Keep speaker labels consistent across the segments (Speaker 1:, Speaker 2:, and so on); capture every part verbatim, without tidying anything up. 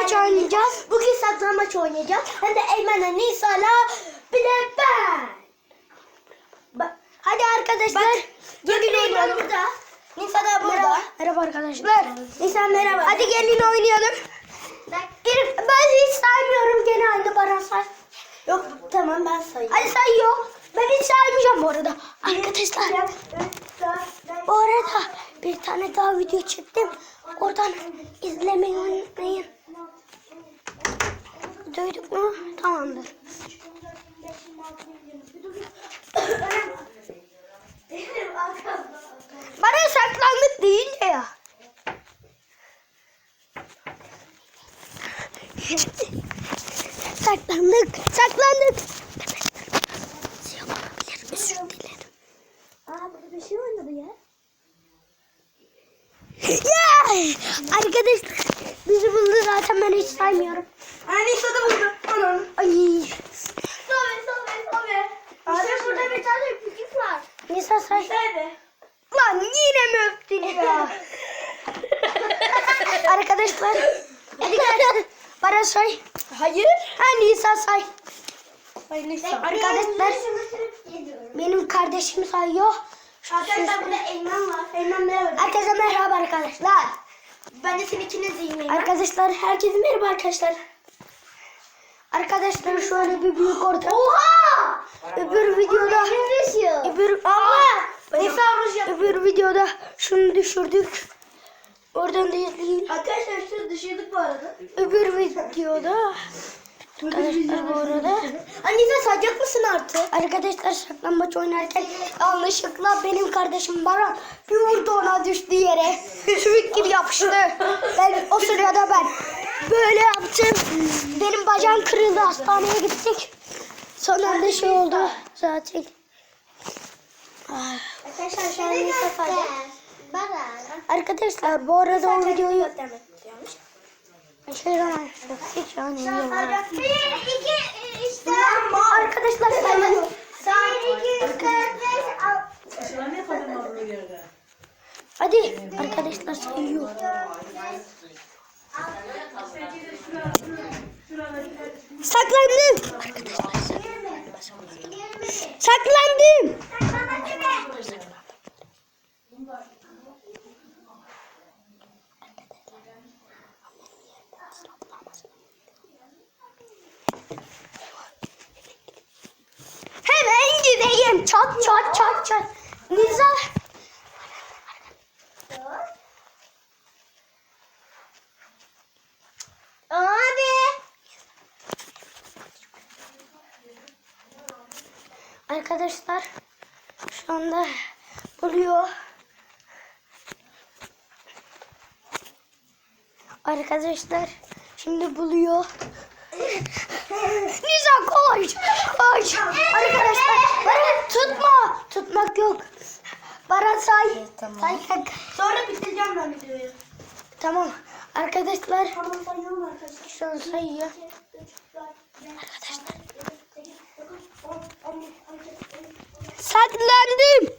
Speaker 1: saklambaç oynayacağız. Bugün saklambaç oynayacağız. Hem de Eymen'le Nisa'la bir de ben. Ba hadi arkadaşlar. Gelin oynayalım. Burada. Nisa da burada. Merhaba, merhaba arkadaşlar. Nisa merhaba. Hadi gelin oynayalım. Bir, ben hiç saymıyorum, gene aynı Baran say. Yok tamam ben sayayım. Hadi sayıyor. Ben hiç saymayacağım bu arada. Arkadaşlar. Bu arada bir tane daha video çektim. Oradan izlemeyi unutmayın. Duyduk mu? Tamamdır. Bana saklandık deyince ya. Saklandık, saklandık. Yapabilir, özür dilerim. Aa, burada bir şey oynadı ya. Ya! Arkadaşlar, bizi buldu zaten, ben hiç saymıyorum. Ay, Nisa da buldu. Anam. Ay. Sobe, sobe, sobe. İşte burada bir tane küçük var. Nisa say. Nerede? Lan yine mi öptün ya? Arkadaşlar. Hadi gel. Bana say. Hayır. Ha, Nisa say. Hayır, Nisa. Arkadaşlar. Benim kardeşim sayıyor. Arkadaşlar burada Eymen var. Eymen merhaba. Herkese merhaba arkadaşlar. Ben de seni ikiniz yiyeyim. Arkadaşlar herkese merhaba arkadaşlar. Arkadaşlar şöyle bir büyük orta. Oha! Öbür videoda. Öbür Allah. Nisa öbür videoda şunu düşürdük. Oradan da izleyin. Arkadaşlar şunu düşürdük bu arada. Öbür videoda. Arkadaşlar bu arada. Anne sen sayacak mısın artık? Arkadaşlar saklambaç oynarken yanlışlıkla benim kardeşim Baran bir vurdu, ona düştü yere. Sümük gibi yapıştı. Ben o sırada ben böyle yaptım. Benim bacağım kırıldı, hastaneye gittik. Sonra da şey oldu zaten. Arkadaşlar şu an Nisa sayacak. Arkadaşlar bu arada o videoyu Şey var. Hiç yani bir, iki, işte. Arkadaşlar sayıyor. Bir, iki, üç, dört, beş, altı. Hadi arkadaşlar sayıyor. Saklandım. Arkadaşlar saklandım. Hemen gideyim. Çat çat çat çat. Nisa. Abi. Arkadaşlar şu anda buluyor. Arkadaşlar şimdi buluyor. Nisa koş. Koş. Arkadaşlar Baran tutma. Tutmak yok. Baran say. Tamam. Say. Sonra bitireceğim ben videoyu. Tamam. Arkadaşlar. Tamam sayıyorum arkadaşlar. Şu an sayıyor. Arkadaşlar. Saklandım.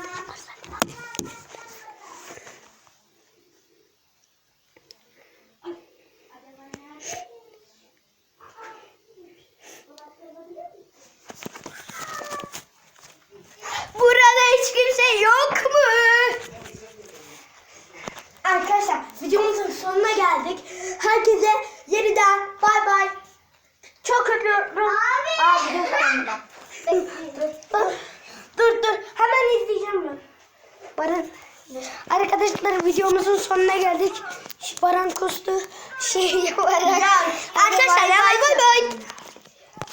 Speaker 1: Burada hiç kimse yok mu? Arkadaşlar videomuzun sonuna geldik. Herkese yeniden bay bay. Çok öpüyorum. Abi. Abi dur, dur, dur, dur. Hemen izleyeceğim ben. Baran. Arkadaşlar videomuzun sonuna geldik. Baran kustu şey yaparak. Arkadaşlar bay bay.